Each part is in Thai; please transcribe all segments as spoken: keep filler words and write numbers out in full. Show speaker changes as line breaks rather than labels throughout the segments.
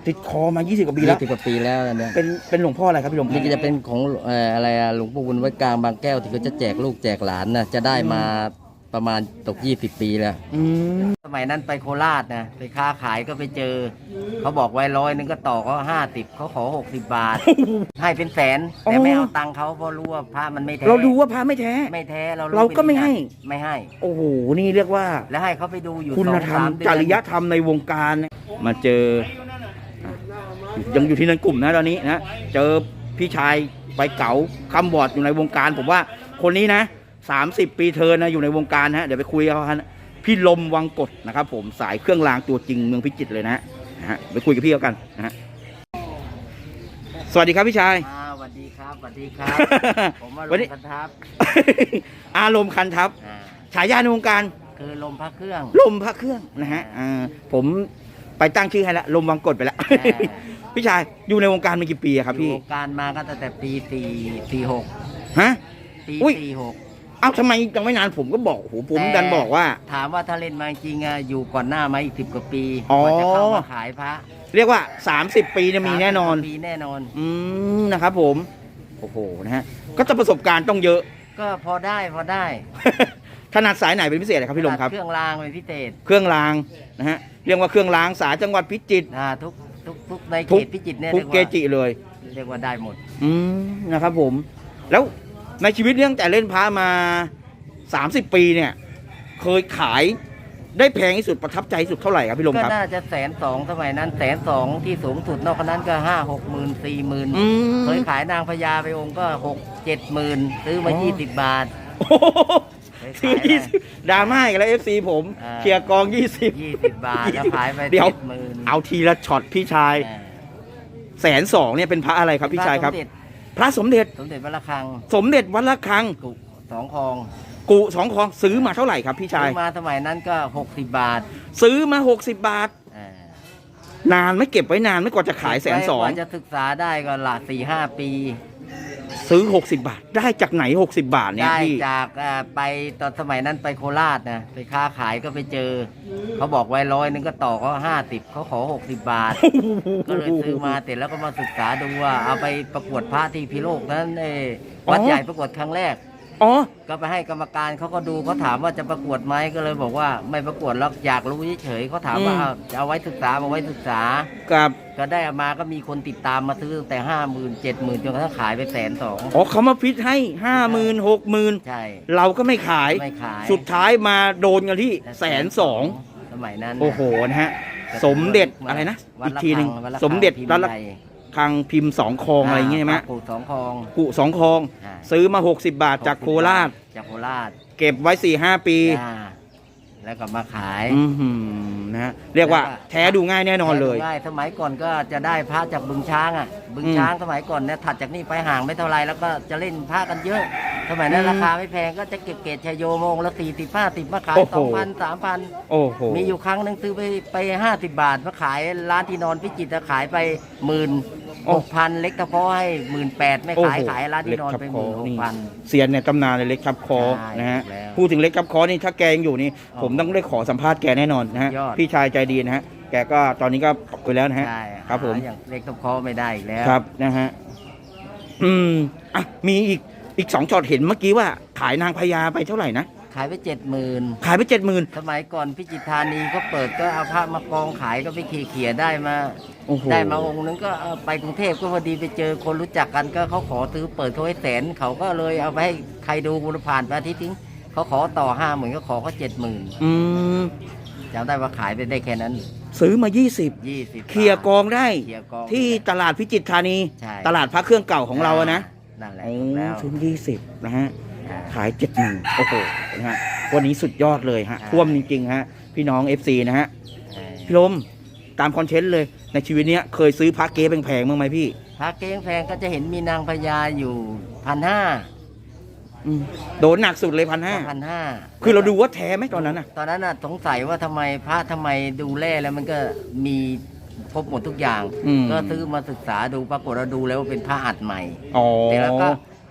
ติดคอมายี่สิบกว่าปีแล้ว
ยี่สิบกว่าปีแล้วเนี่ย
เป็นเป็นหลวงพ่ออะไรครับพี่ลม
นี่ก็จะเป็นของเอ่ออะไรอะหลวงปู่บุญไว้กลางบางแก้วที่เขาจะแจกลูกแจกหลานนะจะได้มาประมาณตกยี่สิบปีแล้ว
อืม
สมัยนั้นไปโคราชนะไปค้าขายก็ไปเจอเขาบอกไว้ร้อยนึงก็ต่อเขาห้าสิบเขาขอหกสิบบาท ให้เป็นแสนแต่ไม่เอาตังค์เขาเพราะรู้ว่าพระมันไม่แท้
เราดูว่าพระไม่แท้
ไม่แท้เรา
เราก็ไม่ให้
ไม่ให้
โอ้โหนี่เรียกว่า
แล้วให้เขาไปดูอยู่
คุณธรรมจริยธรรมในวงการมาเจอยังอยู่ที่นั้นกลุ่มนะตอนนี้นะเจอพี่ชายใบเก๋าคำบอดอยู่ในวงการผมว่าคนนี้นะสามสิบปีเธอนะอยู่ในวงการนะเดี๋ยวไปคุยกับเขาพี่ลมวังกฎนะครับผมสายเครื่องรางตัวจริงเมืองพิจิตรเลยนะนะฮะไปคุยกับพี่เขากันนะฮะสวัสดีครับพี่ชาย
สวัสดีครับสวัสดีครับผมอารมณ์คันทัพ
อารมณ์คันทัพฉายาในวงการ
คือลมพระเครื่อง
ลมพระเครื่องนะฮะผมไปตั้งชื่อให้ละลมวังกฎไปแล้วพี่ชายอยู่ในวงการมากี่ปีครับพี่
วงการมาก็ตั้งแต่ปีสี่สี่หก
ฮะ
ปีสี่หก
เอ้าทำไมยังไม่นานผมก็บอกโอ้โหผมดันบอกว่า
ถามว่าถ้าเล่นมาจริงอะอยู่ก่อนหน้ามาอีกสิบกว่าปีกว่าจะเข้ามาขายพระ
เรียกว่าสามสิบปีจะมีแน่นอน
ปีแน่นอน
อืมนะครับผมโอ้โหนะฮะก็จะประสบการณ์ต้องเยอะ
ก็พอได้พอได้
ถนัดสายไหนเป็นพิเศษครับพี่ลมครับ
เครื่องรางเป็นพิเศษ
เครื่องรางนะฮะเรียกว่าเครื่องรางสายจังหวัดพิจิตร
อ่าทุกทุกทุกในเขตพิจิตรเนี่ย
ทุกเกจิเลย
เรียกว่าได้หมด
อืมนะครับผมแล้วในชีวิตเรื่องแต่เล่นพระมาสามสิบปีเนี่ยเคยขายได้แพงที่สุดประทับใจที่สุดเท่าไหร่ครับพี่ลมครับ
ก็น่าจะแสนสองสมัยนั้นแสนสองที่สูงสุดนอกนั้นก็ห้าหกหมื่นสี่หมื่นเคยขายนางพญาไปองค์ก็หกเจ็ดหมื่นซื้อมายี่สิบบาท
ซื้อยี่สิบดราม่าอีกแล้วเอฟซีผมเคลียร์กองยี่สิบ
ยี่สิบบาทแล้วขายไป
เดี๋ยวเอาทีละช็อตพี่ชายแสนสองเนี่ยเป็นพระอะไรครับพี่ชายครับพระสมเด็จ
สมเด็จวัดระฆัง
สมเด็จวัดระฆัง
กุสองคลอง
กุสองคลองซื้อมาเท่าไหร่ครับพี่ชาย
ซื้อมาสมัยนั้นก็หกสิบบาท
ซื้อมาหกสิบบาทนานไม่เก็บไว้นานไม่กว่าจะขายแสนสอง
กว่าจะศึกษาได้ก็หลักสี่ห้าปี
ซื้อหกสิบบาทได้จากไหนหกสิบบาทเนี่ย
ได้จากไปตอนสมัยนั้นไปโคราชนะไปค้าขายก็ไปเจอเขาบอกไว้ร้อยนึงก็ต่อเขาห้าสิบเขาขอหกสิบบาทก็เลยซื้อมาเสร็จแล้วก็มาศึกษาดูว่าเอาไปประกวดพระที่พิโลกนั้นเอวัดใหญ่ประกวดครั้งแรก
อ๋อ
ก็ไปให้กรรมการเขาก็ดูเขาถามว่าจะประกวดไหมก็เลยบอกว่าไม่ประกวดแล้วอยากรู้เฉยๆเขาถามว่าจะเอาไว้ศึกษาเอาไว้ศึกษา
ครับ
ก็ได้มาก็มีคนติดตามมาซื้อตั้งแต่ห้าหมื่นเจ็ดหมื่นจนกระทั่งขายไปแสนสอง
อ๋อเขามาฟิตให้ห้าหมื่นหกหมื่น
ใช่
เราก็ไม่ขาย
ไม่ขาย
สุดท้ายมาโดนกันที่แสนสอง
สมัยนั้น
โอ้โหนะฮะสมเด็จอะไรนะอีกทีหนึ่งสมเด็จวัดระฆังพิมพ์สองคลองอะไรอย่างเงี้ยไหม
กุสองคลอง
กุสองคลองซื้อมาหกสิบบาทจากโคราช
จากโคราช
เก็บไว้สี่ห้าปี
แล้วก็มาขาย
นะฮะเรียกว่าแท้ดูง่ายแน่นอนเลย
ง่ายสมัยก่อนก็จะได้พระจากบึงช้างอ่ะบึงช้างสมัยก่อนเนี่ยถัดจากนี่ไปห่างไม่เท่าไรแล้วก็จะเล่นพระกันเยอะสมัยนั้นราคาไม่แพงก็จะเก็บเกตชโยโมงละสี่สิบห้าสิบมาขายสองพันสามพันมีอยู่ครั้งหนึ่งซื้อไปไปห้าสิบบาทมาขายร้านที่นอนพิจิตรขายไปหมื่นหกพันเล็กตะพอให้หมื่นแปดไม่ขายขายร้านที่นอนไปหมื่นหกพัน
เสียนในตำนานเลยเล็กทับคอนะฮะพูดถึงเล็กทับคอนี่ถ้าแกยังอยู่นี่ผมต้องได้ขอสัมภาษณ์แกแน่นอนนะฮะพี่ชายใจดีนะฮะแกก็ตอนนี้ก็ไปแล้วนะฮะครับผม
อย่างเล็กทับคอไม่ได้อีกแล้ว
ครับนะฮะอืมอ่ะมีอีกอีกสองช็อตเห็นเมื่อกี้ว่าขายนางพญาไปเท่าไหร่นะ
ขายไปเจ็ดหมื่น
ขายไปเจ็ดหมื่น
สมัยก่อนพิจิตรธานีก็เปิดก็เอาพระมากองขายก็ไปเขี่ยได้มาได้มาองค์นึงก็ไปกรุงเทพก็พอดีไปเจอคนรู้จักกันก็เขาขอซื้อเปิดเขาให้แสนเขาก็เลยเอาไปให้ใครดูบุรผ่านไปอาทิตย์ทิ้งเขาขอต่อห้าหมื่นก็ขอเขาเจ็ดหมื่นจำได้ว่าขายไปได้แค่นั้น
ซื้อมายี่สิบ
ยี่สิบ
เคลียร์กองได้ที่ตลาดพิจิตรธานีตลาดพระเครื่องเก่าของเราอะนะ
นั่นแหละ
ซื้อยี่สิบนะฮะขายเจ็ดหมื่นโอ้โหนะฮะวันนี้สุดยอดเลยฮะท่วมจริงๆฮะพี่น้อง เอฟ ซี นะฮะพี่ลมตามคอนเทนต์เลยในชีวิตนี้เคยซื้อพระเก๊แพงๆบ้างไหมพี่
พระเก๊แพงก็จะเห็นมีนางพญาอยู่พันห้า
โดนหนักสุดเลยพันห้า
พันห้า
คือเราดูว่าแท้ไหมตอนนั้นน่ะ
ตอนนั้นน่ะสงสัยว่าทำไมพระทำไมดูแลแล้วมันก็มีครบหมดทุกอย่างก็ซื้อมาศึกษาดูปรากฏเราดูแล้วว่าเป็นพระอัดใหม่แต่แล้วก็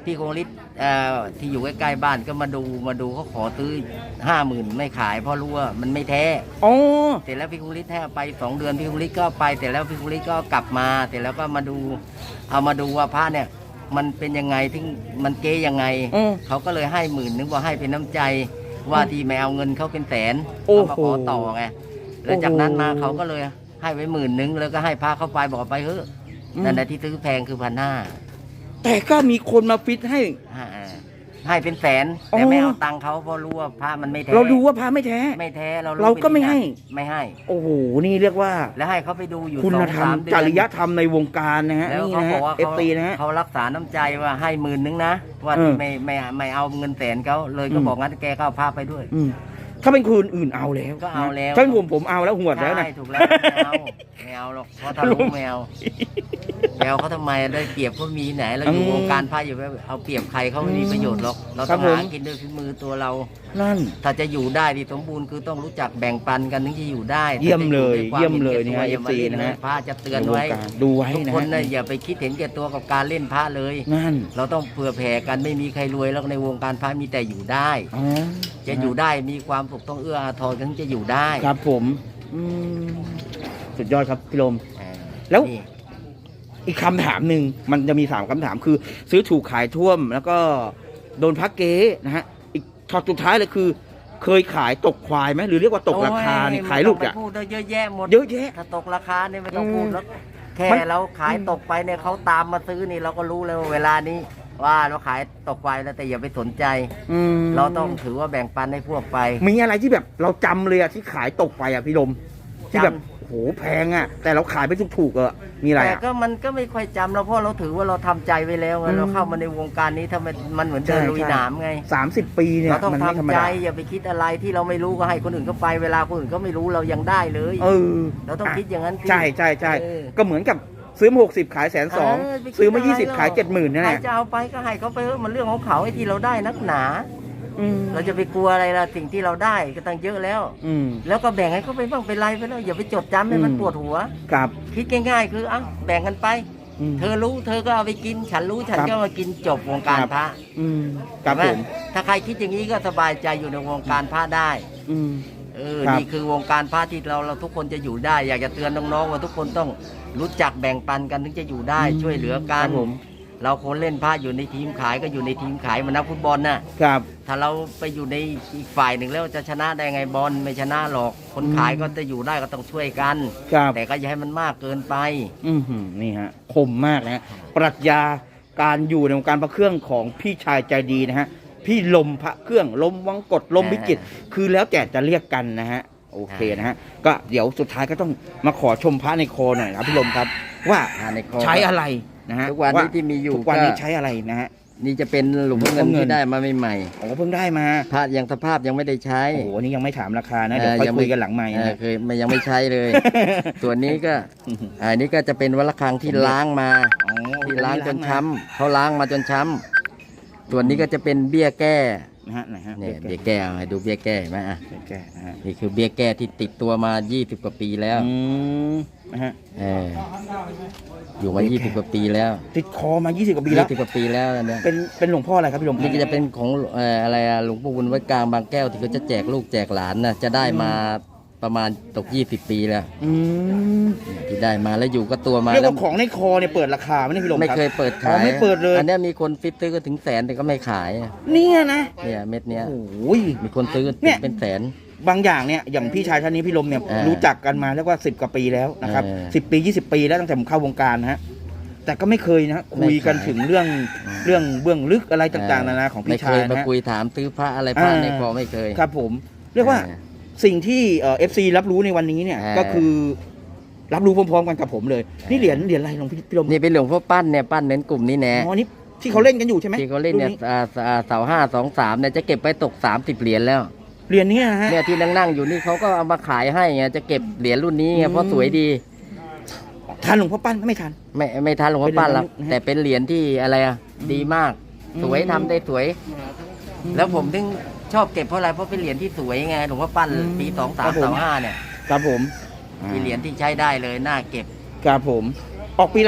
พี่คงฤทธิ์เอ่อที่อยู่ใกล้ๆบ้านก็มาดูมาดูเขาขอซื้อห้าหมื่นไม่ขายเพราะรู้ว่ามันไม่แท้
อ๋อ
เสร็จแล้วพี่คงฤทธิ์ให้เอาไปสองเดือนพี่คงฤทธิ์ก็ไปเสร็จแล้วพี่คงฤทธิ์ก็กลับมาเสร็จแล้วก็มาดูเอามาดูว่าพระเนี่ยมันเป็นยังไงที่มันเก๊ยังไง
อืม
เขาก็เลยให้หมื่นนึงว่าให้เป็นน้ำใจว่าที่ไม่เอาเงินเขาเป็นแสน
โอ้
เขา
โห
มาขอต่อไงแล้วจากนั้นมา
โอ้โห
เขาก็เลยให้ไว้หมื่นนึงแล้วก็ให้พระเข้าไปบอกเอาไปเถอะ
อืม
นั่นแหละที่ซื้อแพงคือพันห้า
แต่ก็มีคนมาฟิตให้
ให้เป็นแสน
อ๋อ
แต่ไม่เอาตังค์เขาเพราะรู้ว่าพระมันไม่แท้
เราดูว่าพระไม่แท้
ไม่แท้เรา
เราก็ไม่ให้
ไม่ให้
โอ้โห นี่เรียกว่า
แล้วให้เขาไปดูอยู่
คุ
ส
ณ
อง
ธรรม
สามเดือน
จริยธรรมในวงการนะฮะ
แล้ว
นี่
เขา
นะ
บ
ฮะ
อกว่า
เอฟ
เขา
ซีนะฮะ
เขารักษาน้ำใจว่าให้หมื่นนึงนะว่า
เออ
ที่ไม่ไม่ไม่เอาเงินแสนเขาเลยก็
อืม
บอกงั้นแกก็เอาพาไปด้วย
อืมถ้าเป็นคนอื่นเอาแล้ว
ก็เอาแล้ว
ถ้าเป็นผมผมเอาแล้วหวดแล้วนะ
ใช่ถูกแล้วไม่เอาไม่เอาหรอกเพราะถ้ารู้ไม่เอาไม่เอาเขาทำไมได้เปรียบเขามีไหนเราอยู่
อืม
วงการพาอยู่แล้วเอาเปรียบใครเขาไม่มีประโยชน์หรอกเรา
ครั
ต้
บ
อง
ผม
หากินด้วยฝีมือตัวเรา
นั่น
ถ้าจะอยู่ได้ดีสมบูรณ์คือต้องรู้จักแบ่งปันกันถึงจะอยู่ได้
เยี่ยมเลย
ถ้าจะอด้ว
เยี่ยมเลย
ควา
เนี่ย
ห็แก่ตัว
เอฟซี
อย่ามาเล่
นะฮะ
พระจะเตือน
ในวง
ไว้
การดูไว้
ทุก
นะ
คน
ฮะ
นะอย่าไปคิดเห็นแก่ตัวกับการเล่นพระเลย
นั่น
เราต้องเผื่อแผ่กันไม่มีใครรวยแล้วในวงการพระมีแต่อยู่ได้
อ๋อ
จะอยู่ได้มีความสุขต้องเอื้ออาทรกันถึงจะอยู่ได้
ครับผมอืมสุดยอดครับพี่ลม
เออ
แล้ว
นี่
อีกคำถามหนึ่งมันจะมีสามคำถามคือ ซื้อถูกขายท่วม แล้วก็โดนพักเก๊นะฮะอีกช็อตสุดท้ายเลยคือ เคยขายตกควายไหมหรือเรียกว่าตกราคานี่
โอ้
ขายลูก
ไม่
อ่ะ
ต้องไปพูดเยอะแยะหมด
เยอะแยะ
ถ้าตกราคาเนี่ยไม่ต้องพูด
อืม
แล้วแค่
มัน
เราขายตกไปเนี่ยเขาตามมาซื้อนี่เราก็รู้แล้วว่าเวลานี้ ว่าเราขายตกไปแล้วแต่อย่าไปสนใจ
อืม
เราต้องถือว่าแบ่งปันให้พวกไป
มีอะไรที่แบบเราจำเลยอะที่ขายตกไปอะพี่ลมที่แบบ
จำ
โหแพงอะแต่เราขายไปถูกๆอะมีอะไร
แต่
อะ
ก็มันก็ไม่ค่อยจำเราเพราะเราถือว่าเราทำใจไว้แล้วไง
อืม
เราเข้ามาในวงการนี้ถ้ามันมันเหมือนเดิน
ใช่
ลุย
ใช่
หนามไง
สามสิบปีเนี่ย
เราต้อง
มันไม่ธรรม
ทำใจ
ดา
อย่าไปคิดอะไรที่เราไม่รู้ก็ให้คนอื่นเขาไปเวลาคนอื่นเขาไม่รู้เรายังได้เลย
เออ
เราต้องคิดอย่างนั้นสิ
ใช่ใช่ใช่
เออ
ก็เหมือนกับซื้อมาหกสิบขายแสนสอง
เไปคิด
ซื้อมายี่
ะไร
สิบขายเจ็ดหมื่นนั่น
ใค
แห
ร
ละ
จะเอาไปก็ให้เขาไปเถอะมันเรื่องของเขาไอ้ที่เราได้นักหนา
อืม
เราจะไปกลัวอะไรล่ะสิ่งที่เราได้ก็ตั้งเยอะแล้ว
อืม
แล้วก็แบ่งให้เขาไปบ้างเป็นไรไปแล้วอย่าไปจดจำให้มัน
อืม
ปวดหัว
ครับ
คิดง่ายๆ คืออ่ะแบ่งกันไป
อืม
เธอรู้เธอก็เอาไปกิน ฉันรู้ฉัน
ครับ
ก็มากินจบวงการ
ครับ
พระ
อืมครับ
เห็น
ผ
ไห
ม
ถ้าใครคิดอย่างนี้ก็สบายใจอยู่ในวงการพระได้
อืม
เออ
ครับ
นี่คือวงการพระที่เราเราทุกคนจะอยู่ได้ อยากจะเตือนน้องๆว่าทุกคนต้องรู้จักแบ่งปันกันถึงจะอยู่ได้ ช่วยเหลือกั
คน รับผม
เราคนเล่นพระอยู่ในทีมขายก็อยู่ในทีมขายเหมันนักฟุตบอลน่ะ
ครับ
ถ้าเราไปอยู่ในอีกฝ่ายหนึ่งแล้วจะชนะได้ไงบอลไม่ชนะหรอก คน
อืม
ขายก็จะอยู่ได้ก็ต้องช่วยกัน
ครับ
แต่ก็อย่าให้มันมากเกินไป
อืมหืมนี่ฮะคมมากนะฮะปรัชญาการอยู่ในวงการพระเครื่องของพี่ชายใจดีนะฮะพี่ลมพระเครื่องลมวังกดลมวิจิตรคือแล้วแต่จะเรียกกันนะฮะโอเคนะฮะก็เดี๋ยวสุดท้ายก็ต้องมาขอชมพระในคอหน่อยนะครับพี่ลมครับ ว่า
อ่าในคอ
ใช้อะไรนะฮะ
ทุกวันนี้ที่มีอยู่
ทุกวันนี้
ก็
ใช้อะไรนะฮะ
นี่จะเป็นหลุมเงิน
หลุมเงิน
ที่ได้มาใหม่
โอ้เพิ่งได้มา
ๆพระยังสภาพยังไม่ได้ใช้
โอ้โหอันนี้ยังไม่ถามราคานะเดี๋ยวค่อย
ง
คุยกันหลังไมค์
เออ
นะ
เคยไม่ยังไม่ใช้เลย ส่วนนี้ก็อันนี้ก็จะเป็นวัลคังที่ล้างมา
อ๋อ
ที่ล้างจนช้ำเขาล้างมาจนช้ำส่วนนี้ก็จะเป็นเบี้ยแก้
นะฮะไหนฮะ
เนี่ยเบี้ยแก้เอาให้ดูเบี้ยแก้เห็นไหมอ่ะ
เบี้ยแก้นะฮะ
นี่คือเบี้ยแก้ที่ติดตัวมายี่สิบกว่าปีแล้ว
อืมนะฮะ
เอออยู่มายี่สิบกว่าปีแล้ว
ติดคอมายี่สิบกว่าปีแล้
ยี่
ว
สิบกว่าปีแล้วอันเนี่ย
เป็นเป็นหลวงพ่ออะไรครับพี่ลม
นี่ก็จะเป็นของเอ่ออะไรอะหลวงปู่บุญวัดกลางบางแก้วที่เขาจะแจกลูกแจกหลานนะจะได้มาประมาณตกยี่สิบปีแล้ว
อืม
ที่ได้มาแล้วอยู่ก็ตัวมา
เรียก
แล้ว
ว่าของในคอเนี่ยเปิดราคาไหมเนี่ยพี่ลม
ไม่
ครับ
เคยเปิด
อ๋
ขา
อย ไม่เปิดเลย
อันเนี้ยมีคนฟิตซื้อก็ถึงแสนแต่ก็ไม่ขาย
เนี่ยนะ
เนี่ยเม็ดเนี้ย
โอ้ย
มีคนซื้อ
เนี่ย
เป็นแสน
บางอย่างเนี่ยอย่างพี่ชายท่านนี้พี่ลมเนี่ย
เออ
รู้จักกันมาเรียกว่าสิบกว่าปีแล้วนะครับ
เออ
สิบปียี่สิบปีแล้วตั้งแต่ผมเข้าวงการนะฮะแต่ก็ไม่เคยนะคุยกัน
ไม่ขาย
ถึงเรื่อง
อืม
เรื่องเบื้องลึกอะไรต่างๆนานาของ
ไม่
พี่
เค
ชาย
ยมา
นะฮะ
คุยถามซื้อพระอะไรพระ
อ่า
ในคอไม่เคย
ครับผมเรียกว่า
ออ
สิ่งที่เอฟซีรับรู้ในวันนี้เนี่ย
เออ
ก็คือรับรู้พร้อมๆกันกับผมเลย นี่เหรียญเหรียญอะไรหลวงพี่พี่ลม
นี่เป็นหลวงพ่อปั้นเนี่ยปั้นเน้นกลุ่มนี้แน่
อ๋อนี่ที่เขาเล่นกันอยู่ใช่ไหม
ที่เขาเล่นเนี่ย
รุ่
อ่าอ่าเสาห้าสองสามเนี่ยจะเก็บไปตกสามสิบเหรียญแล้ว
เหรียญเนี้นะฮะ
เนี่ยที่นั่งๆอยู่นี่เขาก็เอามาขายให้ไงจะเก็บเหรียญรุ่นนี้ไง
อืม
เพราะสวยดี
ทันหลวงพ่อปั้นไม่ทัน
ไม่ไม่ทันหลวงพ่อปั้นหรอก
เป็นเหรียญนะฮะ
แต่เป็นเหรียญที่อะไรอ่ะดีมาก
อืม
สวยทำได้สวย
อืม
แล้วผมถึงชอบเก็บเพราะอะไรเพราะเป็นเหรียญที่สวยไงหลวงพ่อปั้น
อืม
ปีสอง
ครั
สาม
บผม
สองห้าเนี่ย
ครับผม
มีเหรียญที่ใช้ได้เลยน่าเก็บ
ครับผม ออกปีอะไรนะ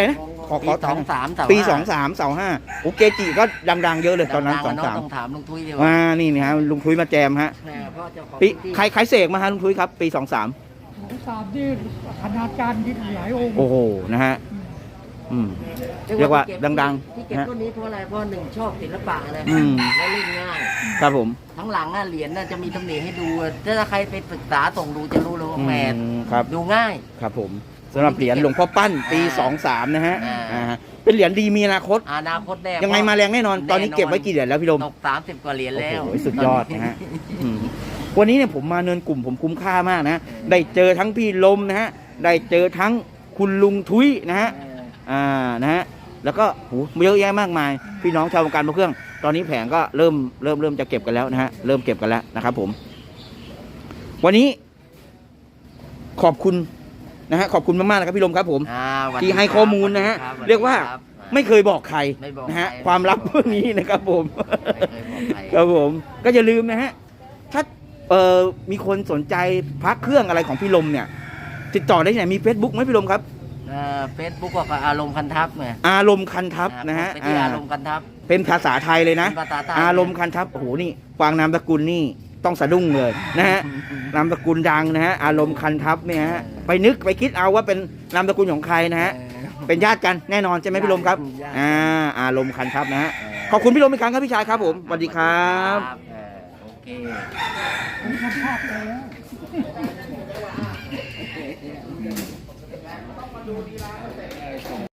ขอ
ปี
ขอ
สองสามเสา
ปี
ห้า
สองสามเสาห้าโอเกจิก็ดังๆเยอะเลยตอนนั้น
ดั
สอง
ๆะ
สาม
ต้องถามลุงทุยดีก
อ่า
ว่า
นี่นะฮะลุงทุยมาแจมฮะ
แม่พ่อเจ้าของ
ปี
ที่
ใครใครเสกมาฮะลุงทุยครับ ปีสองสาม
ของสามนี่คณาจารย์ที่หลายองค์
โอ้โหนะฮะอืม เรียกว่า
ที่เก็บ
ดัง
ที่เก็บ
นะ
ต้นนี้เพราะอะไรเพราะหนึ่งชอบศิลปะเลย
อืม
และเล่นง่าย
ครับผม
ทั้งหลังอ่ะเหรียญน่ะจะมีตำหนิให้ดูถ้าใครไปศึกษาส่งดูจะรู้เลยว่าแหม
อืมครับ
ดูง่าย
ครับผมสำหรับเหรียญหลวงพ่อปั้นปี
อ่า
สองสามนะฮะ
อ่า
อ่าเป็นเหรียญดีมีอนาคต
อนาคตแน่
ยังไงมาแรงแน่นอน ตอนนี้เก็บไว้กี่เหรียญแล้วพี่ลม
ตกสามสิบกว่าเหรียญแล้ว
โอ้โหสุดยอดนะฮะอืมวันนี้เนี่ยผมมาเนินกลุ่มผมคุ้มค่ามากนะ ได้เจอทั้งพี่ลมนะฮะ ได้เจอทั้งคุณลุงทุยนะฮะ อ่า นะฮะ แล้วก็โหเยอะแยะมากมาย พี่น้องชาววงการพระเครื่อง ตอนนี้แผงก็เริ่มเริ่มเริ่มจะเก็บกันแล้วนะฮะ เริ่มเก็บกันแล้วนะครับผม วันนี้ ขอบคุณนะฮะ ขอบคุณมากๆนะครับพี่ลมครับผม
อ่าสวัสดี
ที่ให้ข้อมูลนะฮะ
คบ
เรียกว่า
สสดีคบ
ไม่เคยบอกใคร
ไม่บอก
นะฮะ
ใคร
ความลับพวกนี้นะครับผม
ไม่เคยบอกใคร
ครับผม ก็อย่าลืมนะฮะ ถ้าเอ่อมีคนสนใจพระเครื่องอะไรของพี่ลมเนี่ย ติดต่อได้ที่ไหน มี Facebook ไหมพี่ลมครับ
เฟซบุ๊กก็อารมณ์คันทับไง
อารมณ์คันทัพนะฮะ
ไปที่
อ่า
อารมณ์คันทับ
เป็นภาษาไทยเลยนะ
เป็นภาษาไทย
อารมณ์คันทัพโอ้โหนี่ฟังนามสกุลนี่ต้องสะดุ้งเลยนะฮะ นามสกุลดังนะฮะ อารมณ์คันทัพเนี่ยฮะ ไปนึกไปคิดเอาว่าเป็นนามสกุลของใครนะฮะ เป็นญาติกันแน่นอนใช่ไหมพี่ลมครับ
ญาติ
อ่า อารมณ์คันทัพนะฮะ ขอบคุณพี่ลมอีกครั้งครับพี่ชายครับผม สวัสดีครับ
เออโอเค
ผมทำภาพแล้ว